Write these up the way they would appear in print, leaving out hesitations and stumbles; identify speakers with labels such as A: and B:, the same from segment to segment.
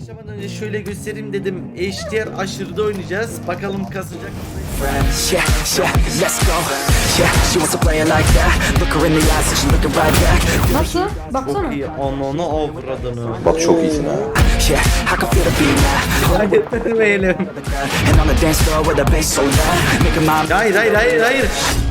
A: Başlamadan önce şöyle göstereyim dedim. HDR aşırıda oynayacağız. Bakalım kasacak mı?
B: Friends, yeah, yeah, let's go. Yeah, she wants to play it like that. Look her in the eyes, and she's looking right back.
C: Nasıl? Baksana.
A: Çok iyi. Ananı avradını.
D: Bak çok iyisin ha.
B: Yeah, I can feel the beat now.
A: Hadi vermeyelim.
B: And on the dance floor with the bass so loud, make 'em mind.
A: Hayır.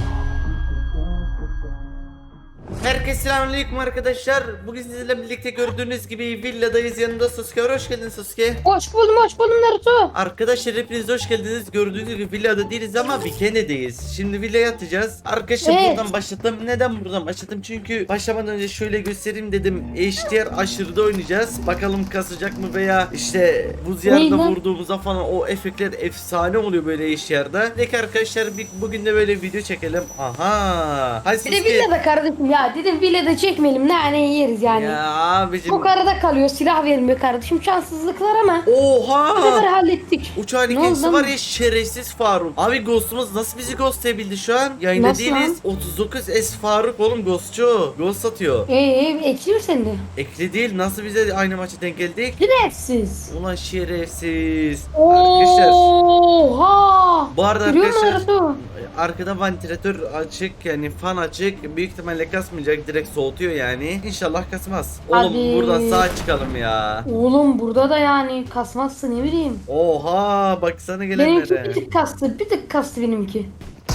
A: Herkese selamünaleyküm arkadaşlar. Bugün sizlerle birlikte gördüğünüz gibi villadayız. Yanında Sasuke var. Hoş geldin Sasuke.
C: Hoş buldum Naruto.
A: Arkadaşlar hepiniz hoş geldiniz. Gördüğünüz gibi villada değiliz ama Bikene'deyiz. Şimdi villaya atacağız. Arkadaşlar
C: Evet.
A: buradan başlattım. Neden buradan başlattım? Çünkü başlamadan önce şöyle göstereyim dedim. HDR aşırıda oynayacağız. Bakalım kasacak mı veya işte buz yerde
C: Ney lan?
A: vurduğumuzda falan o efektler efsane oluyor böyle HDR'da. Peki arkadaşlar bugün de böyle video çekelim. Aha. Hadi
C: Bir de
A: Sasuke.
C: villada kardeşim ya. Dedim villada çekmeyelim. Ne yeriz yani.
A: Ya abicim.
C: Çok arada kalıyor. Silah verilmiyor kardeşim. Şanssızlıklar ama. Bu kadar
A: Oha.
C: hallettik.
A: Uçağın
C: Ne
A: ikincisi
C: oldu
A: var
C: lan?
A: ya, şerefsiz Faruk. Abi Ghost'umuz nasıl bizi ghostlayabildi şu an? Yayında
C: Nasıl
A: değiliz. 39 S Faruk oğlum, ghostçu. Ghost atıyor.
C: Ekliyor seni de.
A: Ekli değil, nasıl bize aynı maça denk geldik?
C: Direfsiz.
A: Ulan şerefsiz. Arkadaşlar
C: Oha.
A: bu arada
C: Görüyor musun
A: arkadaşlar
C: Naruto?
A: arkada vantilatör açık, yani fan açık. Büyük ihtimalle kasmayacak, direkt soğutuyor yani. İnşallah kasmaz. Oğlum
C: Hadi.
A: buradan sağa çıkalım ya.
C: Oğlum burada da yani kasmazsın ne bileyim.
A: Oha baksana
C: Benimki
A: gelenlere.
C: bir tık kastı. Bir tık kastı benimki.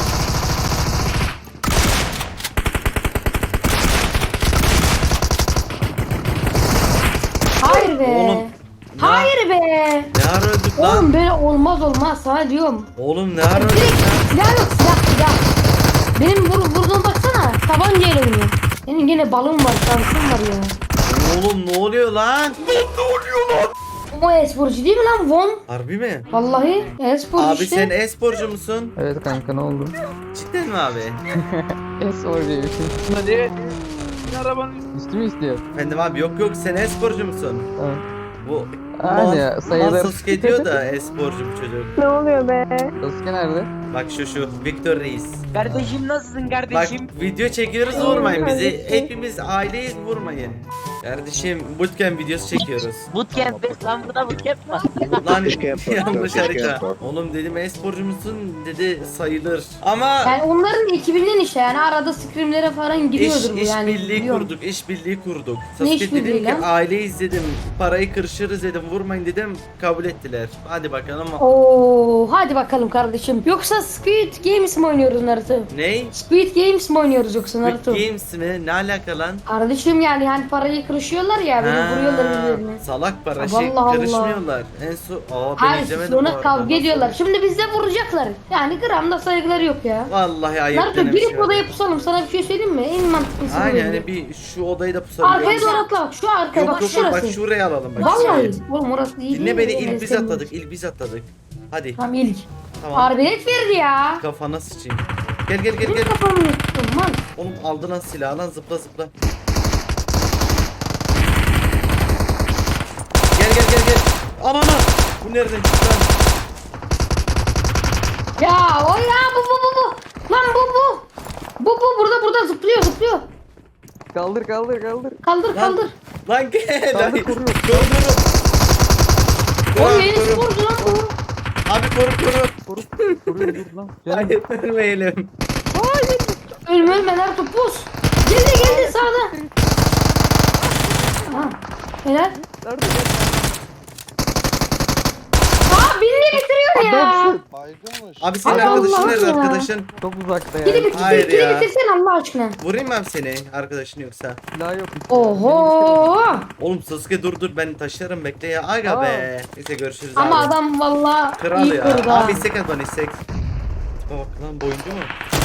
C: Hayır be.
A: Oğlum,
C: Hayır be.
A: Ne ara öldük lan?
C: Oğlum böyle olmaz sana diyorum.
A: Oğlum ne ara öldük
C: Direkt
A: lan?
C: silah yok silah. Benim vurduğuma baksana. Tabancayla oynuyor. Benim yine balım var, şansım var ya.
A: Oğlum ne oluyor lan?
C: O e-sporcu değil mi lan Von?
A: Harbi mi?
C: Vallahi e-sporcu
A: Abi
C: işte.
A: sen e-sporcu musun?
E: Evet kanka, ne oldu?
A: Cidden mi abi?
E: S-War diye bir şey.
D: Hadi. Arabanın
E: Üstü mü istiyor?
A: Efendim abi, yok sen e-sporcu musun?
E: Tamam.
A: Bu
E: Hani ya, sayılır.
A: Sasuke diyor da e-sporcu bu çocuk.
F: Ne oluyor be?
E: Sasuke nerede?
A: Bak şu Victor Reis.
G: Kardeşim nasılsın
A: Bak
G: kardeşim?
A: video çekiyoruz, vurmayın bizi. Hepimiz aileyiz, vurmayın. Kardeşim bootcamp videosu çekiyoruz.
G: Bootcamp be, lan burada bootcamp var.
A: Lan
D: Keşke yapar,
A: yanlış
D: keşke
A: harita.
D: yapar.
A: Oğlum dedim e-sporcu musun, dedi sayılır. Ama
C: Yani onların ekibinden işte yani arada scrimlere falan giriyordur bu
A: iş
C: yani.
A: birliği
C: biliyorum.
A: kurduk, iş birliği kurduk.
C: Ne
A: Sasuke
C: iş birliği
A: dedim ki
C: lan?
A: aileyiz dedim, parayı kırışırız dedim, vurmayın dedim, kabul ettiler. Hadi bakalım.
C: Oo, hadi bakalım kardeşim. Yoksa Squid Games mi oynuyoruz Naruto?
A: Ney?
C: Squid Games mi oynuyoruz yoksa
A: Squid
C: Naruto?
A: Games mi? Ne alaka lan?
C: Kardeşim yani hani parayı kırışıyorlar ya böyle vuruyorlar birbirlerine.
A: Salak para
C: Allah
A: karışmıyorlar. En son ben
C: Hayır
A: izlemedim bu
C: sonra
A: arada.
C: kavga ediyorlar. Şimdi bizde vuracaklar. Yani gramda saygıları yok ya.
A: Vallahi ayıp
C: Naruto
A: denen bir
C: girip
A: şey
C: odaya
A: var.
C: pusalım. Sana bir şey söyleyeyim mi? En mantıklısı bu
A: Aynen,
C: bence.
A: yani bir şu odayı da pusabiliyor.
C: Arkaya doğru atla bak. Şu arkaya bak
A: Yok
C: şurası.
A: bak şuraya alalım bak.
C: Vallahi.
A: şuraya.
C: Oğlum orası iyi
A: Dinle
C: değil
A: beni,
C: mi?
A: ilk biz
C: Sevmiyorum.
A: atladık, ilk biz atladık. Hadi
C: Tamam ilk.
A: tamam.
C: Arbelet verdi ya.
A: Kafana sıçayım. Gel
C: Benim kafamı yuttum lan.
A: Oğlum aldı lan silahı lan, zıpla. Gel. Anana. Bu nereden çıktı lan?
C: Ya o ya bu. Lan bu. Bu burada zıplıyor.
E: Kaldır.
C: Kaldır.
A: Lan gel.
E: Kaldır,
A: Ay,
E: koruyor.
A: Koru.
C: Oğlum yeni
A: Koru.
C: sporcu lan bu.
A: Abi koru.
E: Koruyor, dur lan. Canım.
A: Hayır vermeyelim.
C: Ölme Naruto pus. Geldi sağda. Ha. Helal.
E: Nerede?
C: Aa birini bitiriyor ya.
E: Adamsın.
D: baygınmış.
A: Abi senin
C: Ay
A: arkadaşın
C: Allah'ım
A: nerede
C: ya.
A: arkadaşın?
E: Çok uzakta ya.
A: Hayır
C: Biri
A: ya.
C: bitirsen Allah aşkına.
A: Vurayım mı abi seni, arkadaşın yoksa?
E: Silah yok.
C: Oho.
A: Oğlum Sasuke dur ben taşırım, bekle ya. Aga
E: Aa.
A: be. Neyse görüşürüz
C: Ama
A: abi.
C: adam valla
A: Kral
C: iyi
A: ya.
C: kurdu ha.
A: Abi istek at bana, istek. Tipe bak lan, boyuncu mu?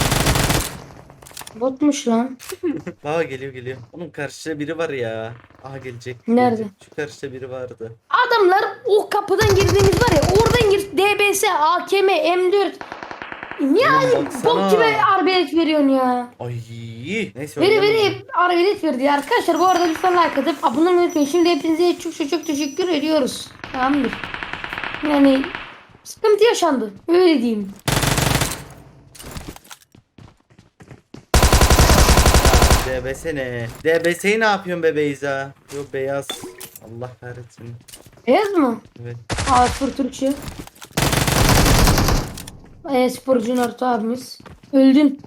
C: Botmuş lan.
A: Baba geliyor. Onun karşıda biri var ya. Aha gelecek.
C: Nerede?
A: Gelecek. Şu karşıda biri vardı.
C: Adamlar o kapıdan girdiğimiz var ya oradan gir DBS, AKM, M4. Niye
A: Oğlum baksana.
C: bok gibi arbelet veriyorsun ya?
A: Ay. Neyse. oynayalım.
C: Veri arbelet verdi ya. Arkadaşlar bu arada lütfen like atıp abone olmayı unutmayın. Şimdi hepinize çok teşekkür ediyoruz. Tamamdır. Yani sıkıntı yaşandı. Öyle diyeyim.
A: DBS ne? DBS'yi ne yapıyorsun be Beyza? Yok beyaz. Allah kahretsin.
C: Beyaz mı?
A: Evet.
C: A0 Türkçe. Sporcu Naruto abimiz. Öldün.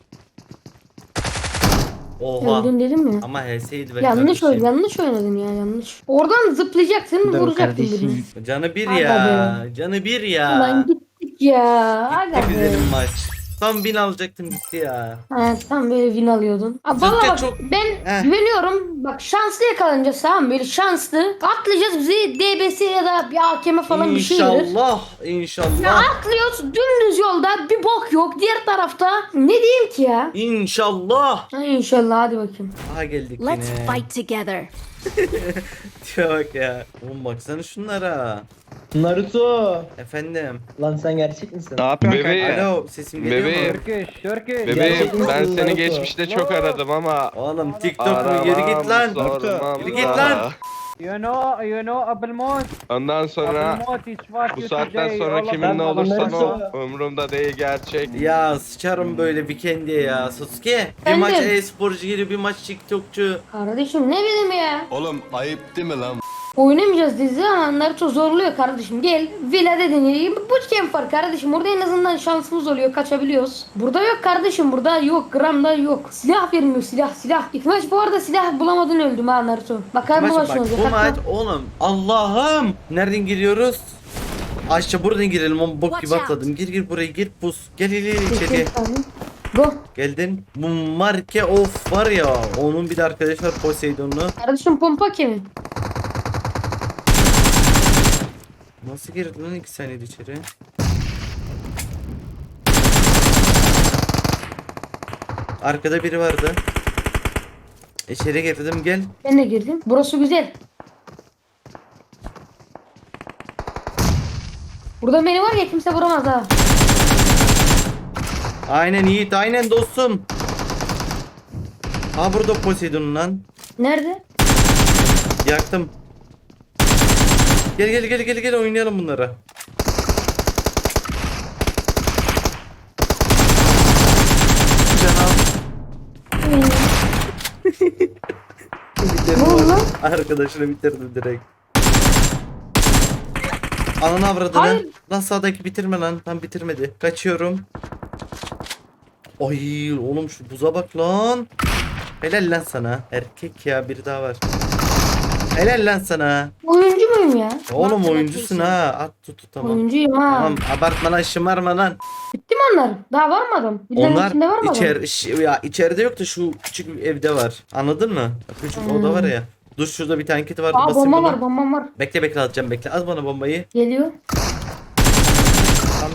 A: Oha.
C: Öldün dedim mi?
A: Ama HS'ydi be
C: Yanlış
A: kardeşim.
C: yanlış oynadın ya yanlış. Oradan zıplayacaksın vuracaktın birini.
A: Canı bir
C: Aga
A: ya. Canı bir ya.
C: Ulan gittik ya. Aga
A: Gitti
C: be.
A: güzelim maç. Tam 1000 alacaktım gitti ya.
C: Evet tam böyle win alıyordun. Valla bak
A: çok-
C: ben
A: Heh.
C: güveniyorum. Bak şanslı yakalanacağız tamam mı? Böyle şanslı. Atlayacağız bizi DBS ya da bir AKM falan bir şey verir.
A: İnşallah.
C: Ya
A: İnşallah.
C: atlıyoruz dümdüz yolda bir bok yok. Diğer tarafta ne diyeyim ki ya?
A: İnşallah.
C: Ha, İnşallah hadi bakayım.
A: Aha geldik
F: Let's
A: yine.
F: fight together.
A: Tipe bak ya. Oğlum baksana şunlara.
H: Naruto.
A: Efendim.
H: Lan sen gerçek misin?
D: Ne yapıyorsun
I: Bebeğim.
A: Alo sesim geliyor
I: Bebeğim.
A: mu?
I: Bebeğim
H: Gerçekten
I: ben
H: misin
I: seni
H: Naruto?
I: geçmişte çok aradım ama
A: Oğlum TikTok mu? Yürü git lan.
I: sormam
A: Yürü git
I: da.
A: lan.
J: You know Abelmont.
I: Ondan sonra
J: Abelmont is what
I: bu
J: you
I: saatten
J: today,
I: sonra
J: all of
I: kimin
J: them.
I: ne olursan o
H: Naruto.
I: umurumda değil gerçek.
A: Ya sıçarım böyle weekend'e ya. Sasuke. Bir
C: Efendim?
A: maç e-sporcu geliyor bir maç TikTokçu.
C: Kardeşim ne bileyim ya.
K: Oğlum ayıp değil mi lan?
C: Oynamayacağız dizi ama Naruto zorluyor kardeşim. Gel villada deneyelim. Bootcamp var kardeşim. Burada en azından şansımız oluyor. Kaçabiliyoruz. Burada yok kardeşim. Burada yok. Gramda yok. Silah vermiyor. Silah. İlk maç bu arada silah bulamadın öldüm ha Naruto. Bakar mı
A: Maç
C: başına
A: bak
C: olacak?
A: bu maç oğlum. Allah'ım. Nereden giriyoruz? Aşağı buradan girelim. O bok gibi
F: Watch out.
A: atladım. Gir buraya gir pus. Gel içeriye.
C: Go.
A: Geldin. Bu marke of var ya. Onun bir de arkadaşlar Poseidon'u.
C: Kardeşim pompa kimin?
A: Nasıl girdi lan 2 saniyede içeri? Arkada biri vardı. İçeri girdim gel.
C: Ben de girdim. Burası güzel. Burada beni var ya kimse vuramaz ha.
A: Aynen Yiğit aynen dostum. Ha burada Poseidon lan.
C: Nerede?
A: Yaktım. Gel oynayalım bunları.
C: Ne oldu lan?
A: Arkadaşını bitirdim direkt. Ananı avradını.
C: Hayır.
A: Lan sağdaki bitirme lan. Tam bitirmedi. Kaçıyorum. Ay oğlum şu buza bak lan. Helal lan sana. Erkek ya biri daha var. Helal lan sana.
C: Oyuncu muyum ya?
A: Oğlum oyuncusun ha. At tut tamam.
C: Oyuncuyum ha.
A: Tamam abartma lan şımarma lan.
C: Bitti mi onlar? Daha var mı adam? Birinin
A: Onlar
C: içinde var mı adam?
A: içeride yok da şu küçük bir evde var. Anladın mı? Küçük oda var ya. Dur şurada bir tane kit vardı.
C: Aa
A: basayım
C: bomba
A: bunu.
C: var bombam var.
A: Bekle atacağım bekle. Az bana bombayı.
C: Geliyor.
A: Tamam.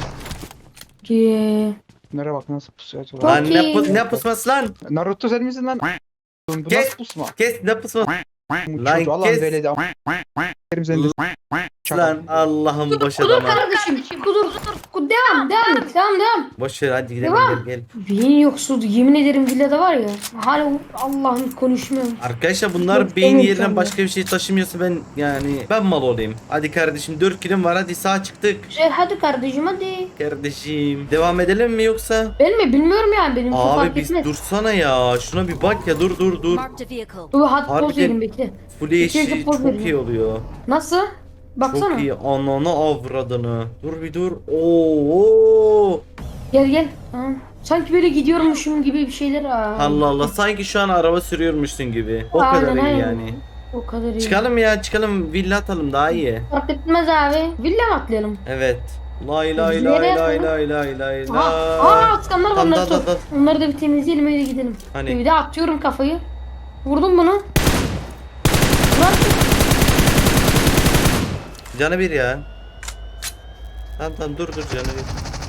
D: Nereye bak nasıl pusuyor acaba?
C: Çok
A: Lan
C: iyi.
A: ne pusması lan?
D: Naruto sen misin lan? Bu
A: Kes.
D: nasıl pusma?
A: Kes ne pusması Lan
D: Çocuğu Allah'ın
A: kes.
D: veledi. Kerim seni de
A: lan Allah'ım boş
C: Kudur
A: adama.
C: kardeşim. Kudur. Devam et. Devam.
A: Boş ver hadi gidelim
C: Devam.
A: gel.
C: Beyin yoksul. Yemin ederim villada var ya. Hala Allah'ım konuşmuyorum.
A: Arkadaşlar bunlar
C: Yok,
A: beyin
C: evet,
A: yerine
C: tamam.
A: başka bir şey taşımıyorsa ben mal olayım. Hadi kardeşim 4 kilim var hadi sağ çıktık.
C: Güzel hadi kardeşim hadi.
A: Kardeşim devam edelim mi yoksa?
C: Ben mi bilmiyorum yani benim çok
A: Abi
C: fark
A: biz
C: etmez.
A: dursana ya. Şuna bir bak ya dur.
F: Marked a vehicle.
C: Dur hadi
A: Harbiden-
C: poz verin bekle.
A: Full
C: İkinci
A: HD
C: poz
A: çok
C: vereyim.
A: iyi oluyor.
C: Nasıl? Baksana.
A: Çok iyi ananı avradını. Dur bir dur. Oo.
C: Gel. Ha. Sanki böyle gidiyormuşum gibi bir şeyler. Aa.
A: Allah Allah sanki şu an araba sürüyormuşsun gibi. O
C: Aynen,
A: kadar iyi
C: aynen.
A: yani.
C: O kadar iyi.
A: Çıkalım villa atalım daha iyi.
C: Fark etmez abi. Villa mı atlayalım?
A: Evet. Lay lay
C: Biz
A: lay
C: nereye
A: lay
C: atalım?
A: lay.
C: Askanlar var
A: Tamam,
C: onları
A: dal.
C: tut. Onları da bir temizleyelim öyle gidelim.
A: Hani?
C: Bir de atıyorum kafayı. Vurdum bunu. Lan
A: Canı bir ya. Tamam dur canı bir.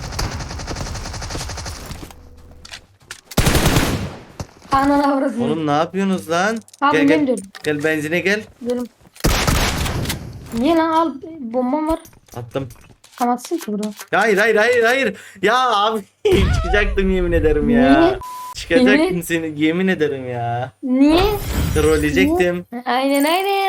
C: anana avradını.
A: Oğlum ne yapıyorsunuz lan?
C: Abi
A: Gel
C: ben
A: gel.
C: diyorum.
A: Gel benzine gel.
C: Gidelim. Niye lan al bombam var.
A: Attım.
C: Kamatsın ki burada.
A: Hayır. Ya abi çıkacaktım yemin ederim ya.
C: Niye?
A: Çıkacaktım
C: Niye?
A: seni yemin ederim ya.
C: Niye?
A: Trolleyecektim.
C: Aynen.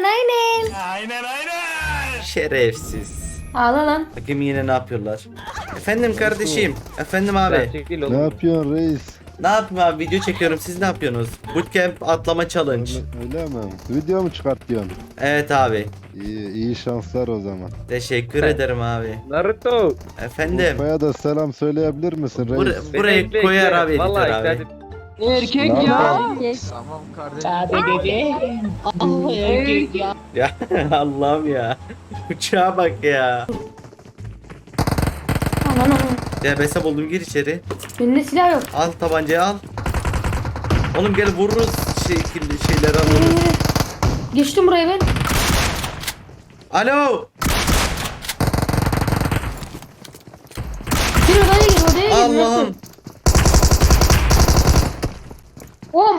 A: Şerefsiz.
C: Ağla lan.
A: Bakayım yine ne yapıyorlar. Efendim kardeşim. Efendim abi.
E: Çekil
K: Ne
E: oğlum.
K: yapıyorsun reis?
A: Ne yapayım abi, video çekiyorum, siz ne yapıyorsunuz? Bootcamp atlama challenge.
F: Öyle mi? Video mu çıkartıyorsun?
A: Evet abi.
F: İyi şanslar o zaman.
A: Teşekkür ederim abi.
I: Naruto.
A: Efendim.
F: Urfa'ya da selam söyleyebilir misin reis?
A: Burayı koyar abi editör abi.
E: Erkek
F: Lan
E: ya. Tamam kardeşim.
A: Ya Allah'ım ya. Uçağa bak ya.
C: Aman aman.
A: DBS buldum, gir içeri.
C: Bende silah yok.
A: Al tabancayı al. Oğlum gel vururuz şeyleri alırız.
C: Geçtim buraya ben.
A: Alo.
C: Gir odaya gir odaya gir.
A: Allah'ım.
C: Oğlum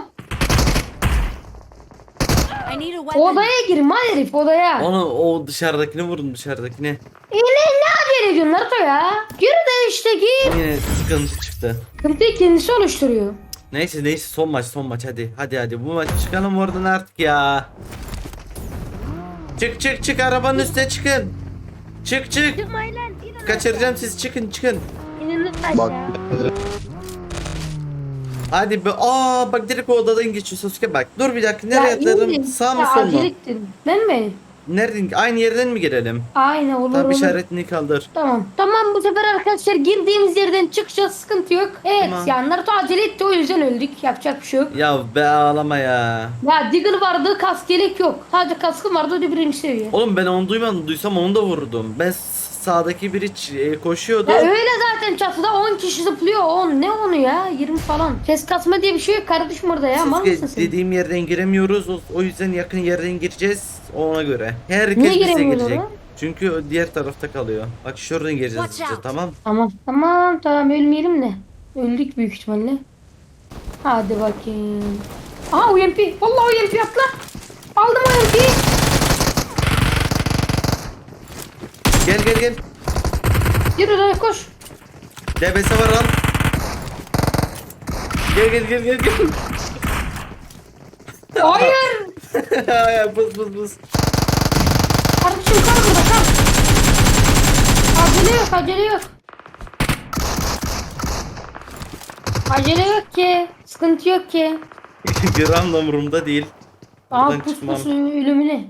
C: odaya gir mal herif odaya.
A: Onu o dışarıdakini vurun, dışarıdakini.
C: Ne acele ediyorsun Naruto ya? Gir de işte gir.
A: Yine sıkıntı çıktı.
C: Sıkıntıyı kendisi oluşturuyor.
A: Neyse son maç hadi bu maç çıkalım oradan artık ya. Çık arabanın üstüne çıkın. Çık. Kaçıracağım sizi, çıkın.
F: Bak
A: Hadi be. Bak direkt o odadan geçiyor Sasuke bak. Dur bir dakika, nereye
C: Ya
A: atlarım?
C: indim.
A: Sağ mı
C: Ya
A: sol mu?
C: acele ettin. Ben mi?
A: Nereden? Aynı yerden mi girelim?
C: Aynen olur
A: Tabi
C: olur.
A: işaretini kaldır.
C: Tamam bu sefer arkadaşlar girdiğimiz yerden çıkacağız, sıkıntı yok. Evet
A: Tamam.
C: yani Naruto acele etti, o yüzden öldük, yapacak bir şey yok.
A: Ya be ağlama ya.
C: Ya Diggle vardı, kask yelek yok. Sadece kaskım vardı, o da birinci seviye.
A: Oğlum ben onu duymadım. Duysam onu da vururdum. Ben sağdaki biri koşuyordu.
C: Ya öyle zaten çatıda 10 kişi zıplıyor. 10 ne onu ya, 20 falan. Ses kasma diye bir şey yok kardeşim orada ya, mal mısın
A: Sasuke
C: sen?
A: dediğim yerden giremiyoruz. O yüzden yakın yerden gireceğiz. Ona göre. Herkes
C: Niye
A: bize
C: giremiyoruz
A: girecek.
C: oraya?
A: Çünkü o diğer tarafta kalıyor. Bak şuradan gireceğiz işte, tamam.
C: Tamam ölmeyelim de. Öldük büyük ihtimalle. Hadi bakayım. Aha UMP. Vallahi UMP atla. Aldım UMP'yi.
A: Gel.
C: Yürü oraya koş.
A: DBS var al. Gel.
C: Hayır.
A: Ya buz.
C: Kardeşim kal burada kal. Acele yok. Acele yok ki. Sıkıntı yok ki.
A: Gram da umurumda değil.
C: Aa
A: Buradan
C: pus
A: çıkmam.
C: pus ölümüne.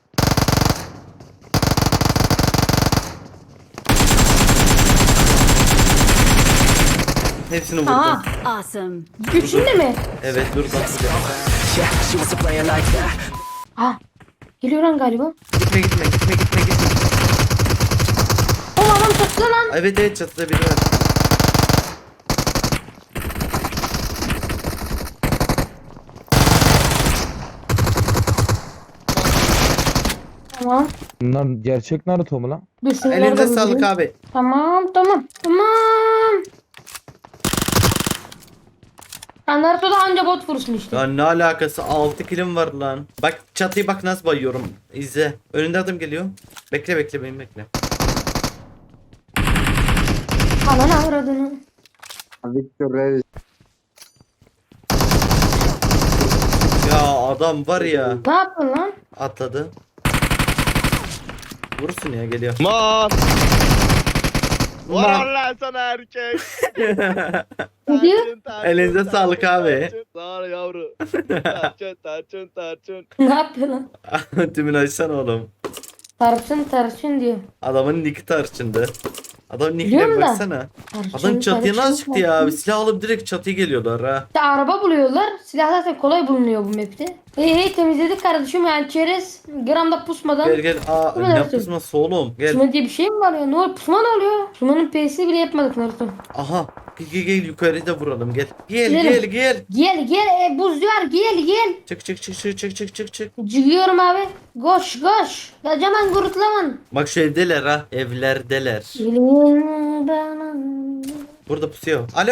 A: Hepsini vurdum.
C: Aha.
K: Awesome.
C: Üçünde mi?
A: Evet dur bak.
B: Yeah, she wants to play it like that.
C: Ha. Geliyor lan galiba.
A: Gitme.
C: O adam çattı lan.
A: Evet çatıda biri var.
C: Tamam.
E: Bunlar gerçek Naruto mu lan?
C: Dur şunları
A: Elinize
C: da
A: sağlık
C: vurayım.
A: abi.
C: Tamam. Ya Naruto'da anca bot vursun işte.
A: Ya ne alakası, 6 kilim var lan. Bak çatıyı bak nasıl bayıyorum. İzle. Önünde adam geliyor. Bekle beni bekle.
C: Ananı avradını.
F: Victor reis.
A: Ya adam var ya.
C: Ne yaptın lan?
A: Atladı. Vursun ya, geliyor.
I: Man.
A: Man.
I: Var lan sana erkek.
C: Ne diyor?
A: Elinize sağlık abi.
I: Sağ ol yavru. Tarçın.
C: Ne yapıyor lan?
A: Tümün açsana oğlum.
C: Tarçın diyor.
A: Adamın nicki tarçındı. Adamın
C: Biliyorum
A: nickine
C: da.
A: baksana.
C: Tarçın,
A: Adam çatıya
C: tarçın,
A: nasıl çıktı ya?
C: tarçın.
A: Bir silah alıp direkt çatıya geliyorlar ha.
C: İşte araba buluyorlar. Silah zaten kolay bulunuyor bu map'te. Temizledik kardeşim yani çerez. Gramda pusmadan.
A: Gel. Aa
C: Bu
A: ne
C: ne
A: yapıyorsun oğlum? Gel.
C: Pusma diye bir şey mi var ya? Ne oluyor? Pusma ne oluyor? Pusmanın P'sini bile yapmadık Naruto.
A: Aha. Gel yukarıda vuralım gel.
C: Gidelim.
A: Gel.
C: Gel buz var gel.
A: Çık.
C: Çıkıyorum abi. Koş. Kocaman gurutlaman.
A: Bak şu evdeler ha. Evlerdeler.
C: Gelin bana.
A: Burada pusuyor. Alo.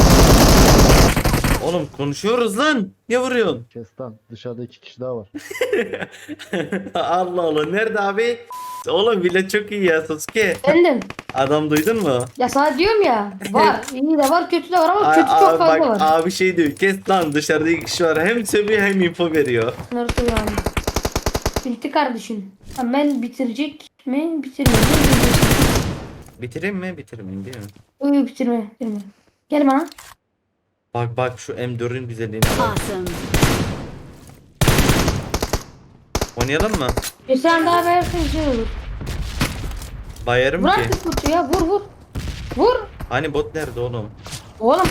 A: Oğlum konuşuyoruz lan. Niye vuruyorsun?
F: Kes lan, dışarıda 2 kişi daha var.
A: Allah Allah. Nerede abi? Oğlum bile çok iyi ya Sasuke.
C: Efendim.
A: Adam duydun mu?
C: Ya sana diyorum ya. Var. İyi de var kötü de var ama
A: Aa,
C: kötü çok fazla
A: bak
C: var.
A: abi şey diyor. Kes lan, dışarıda 2 kişi var. Hem sövüyor hem info veriyor.
C: Naruto yani. Bitti kardeşim. Ben bitirecek mi? Bitirmeyeyim.
A: Bitireyim mi? Bitirmeyeyim değil mi?
C: Bitirme. Gel bana.
A: Bak bak şu M4'ün güzelliğine bak. Oynayalım mı?
C: Bir sen daha versin güzel olur.
A: Bayarım
C: Bırak
A: ki.
C: bir kutu ya vur vur. Vur.
A: Hani bot nerede oğlum?
C: Oğlum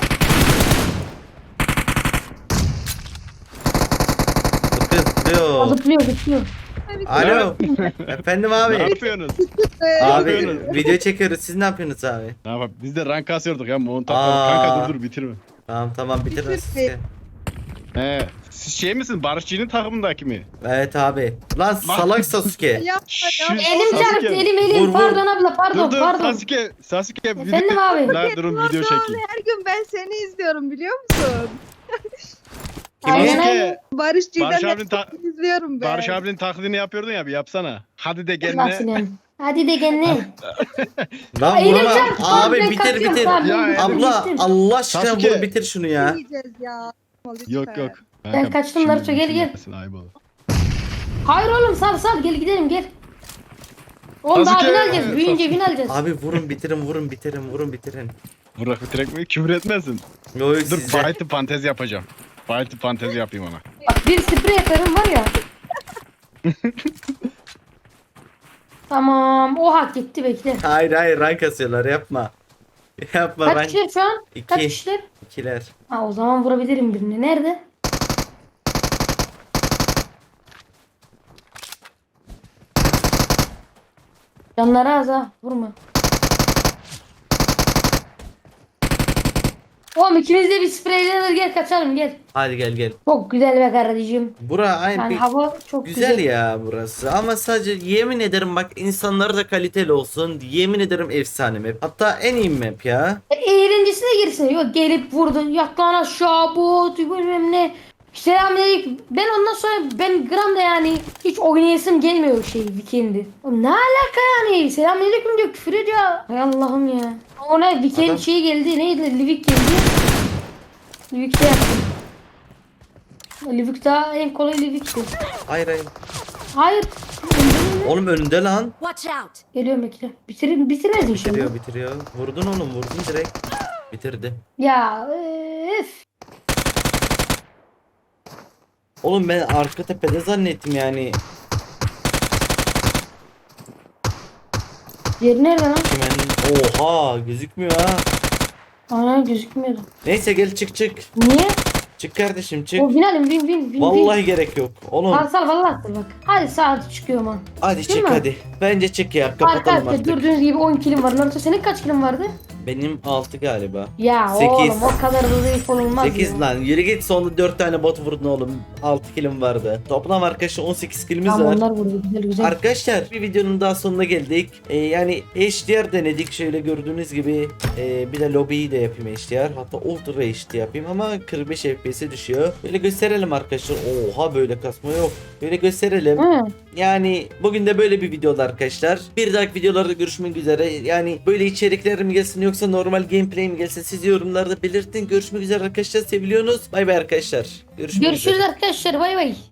A: Zıplıyor.
C: zıplıyor zıplıyor.
A: Alo. Efendim
I: Ne
A: abi.
I: yapıyorsunuz?
A: Abi
I: yapıyorsunuz?
A: video çekiyoruz. Siz ne yapıyorsunuz abi?
I: Ne yapalım? Biz de rank kasıyorduk ya. Montaj.
A: Aa.
I: Kanka dur bitirme.
A: Tamam bitir.
I: He. Siz şey misin? Barışçı'nın takımındaki mi?
A: Evet abi. Lan salak Sasuke.
I: Şu
C: Elim
I: Sasuke.
C: çarptı elim.
A: Vur, vur.
C: Pardon abla pardon
I: Dur
C: pardon.
I: Sasuke.
C: Efendim abi.
I: Lan durun video çekeyim.
K: Her gün ben seni izliyorum biliyor musun?
C: Aynen
I: Sasuke.
C: aynen.
K: Barış
I: Barış
K: Cüzdan'ı
I: abinin ta-
K: izliyorum ben.
I: Barış abinin taklidini yapıyordun ya bir yapsana. Hadi de
C: Nasıl
I: kendine.
C: yani? Hadi de kendine.
A: Lan
C: Elim
A: vurma.
C: çarptı.
A: Abi
C: Ben
A: bitir
C: kaçıyorum,
A: bitir.
C: tamam,
I: Ya,
C: ben
A: Abla
C: bittim.
A: Allah aşkına
I: Sasuke.
A: vur bitir şunu ya.
K: Yiyeceğiz ya.
I: Yok
K: Lütfen.
I: yok.
C: Ben kaçtım Naruto, gel, gel.
I: Ayıp olur.
C: Hayır oğlum sal gel gidelim gel. Oğlum daha
I: Sasuke.
C: bin alacağız. Büyüyünce bin alacağız.
A: Abi vurun bitirin.
I: Burak bitirek mi? Küfür etmesin.
A: Yo
I: Dur
A: size.
I: Baytı fantezi yapacağım. Baytı fantezi yapayım ona.
C: Bak bir sprey atarım var ya. Tamam o hak gitti bekle.
A: Hayır rank asıyorlar yapma. Yapma
C: Kaç
A: rank.
C: kişiler şu an? Kaç
A: İki.
C: kişiler?
A: İkiler.
C: Ha o zaman vurabilirim birini. Nerede? Canları az ha. Vurma. Oğlum ikimiz de bir spreylenir gel kaçalım gel.
A: Hadi gel.
C: Çok güzel be kardeşim.
A: Bura aynı
C: Yani
A: bir
C: hava çok
A: güzel ya burası. Ama sadece yemin ederim bak insanları da kaliteli olsun. Yemin ederim efsane map. Hatta en iyi map ya.
C: Eğlencesine girsin. Yok gelip vurdun. Yat lan aşağı bot bilmem ne. Selamünaleyküm. Ben ondan sonra ben gramda yani hiç oynayasım gelmiyor weekend'i. Oğlum ne alaka yani? Selamünaleyküm diyor küfür ediyor. Hay Allah'ım ya. Ona weekend
A: Adam-
C: şey geldi. Neydi? Livik geldi. Livik'te yaptım. Livik daha en kolay Livik'ti.
A: Hayır.
C: Hayır. Öldürün mü?
A: Oğlum önünde lan.
C: Geliyorum bekle. Bitirmez inşallah.
A: Bitiriyor. Vurdun direkt. Bitirdi.
C: Ya öf.
A: Oğlum ben arka tepede zannettim yani.
C: Yeri nerede lan?
A: Hemen oha gözükmüyor ha.
C: Ana gözükmüyordu.
A: Neyse gel çık.
C: Niye?
A: Çık kardeşim çık.
C: O binalim bin.
A: Vallahi gerek yok. Oğlum
C: Sal vallahi sal bak. Hadi saat çıkıyor man.
A: hadi
C: Değil
A: çık
C: mi?
A: hadi. Bence çık ya kapatalım
C: Arkadaşlar
A: artık.
C: gördüğünüz gibi 10 kilim var. Naruto senin kaç kilin vardı?
A: Benim 6 galiba.
C: Ya
A: 8.
C: oğlum o kadar da zayıf olmaz
A: 8
C: ya.
A: lan yürü git sonunda 4 tane bot vurdun oğlum. 6 kilim vardı. Toplam arkadaşlar 18 kilimiz
C: Tamam
A: var.
C: onlar vurdu güzel.
A: Arkadaşlar bir videonun daha sonuna geldik. Yani HDR denedik şöyle gördüğünüz gibi. Bir de lobiyi de yapayım HDR. Hatta Ultra HD yapayım ama 45 FPS'e düşüyor. Böyle gösterelim arkadaşlar. Oha böyle kasma yok. Böyle gösterelim.
C: Hı.
A: Yani bugün de böyle bir videoda arkadaşlar. Bir dahaki videolarda görüşmek üzere. Yani böyle içerikler mi gelsin yoksa normal gameplay mi gelsin siz yorumlarda belirtin. Görüşmek üzere arkadaşlar. Seviliyorsunuz. Bay bay arkadaşlar. Görüşmek üzere.
C: Görüşürüz arkadaşlar bay bay.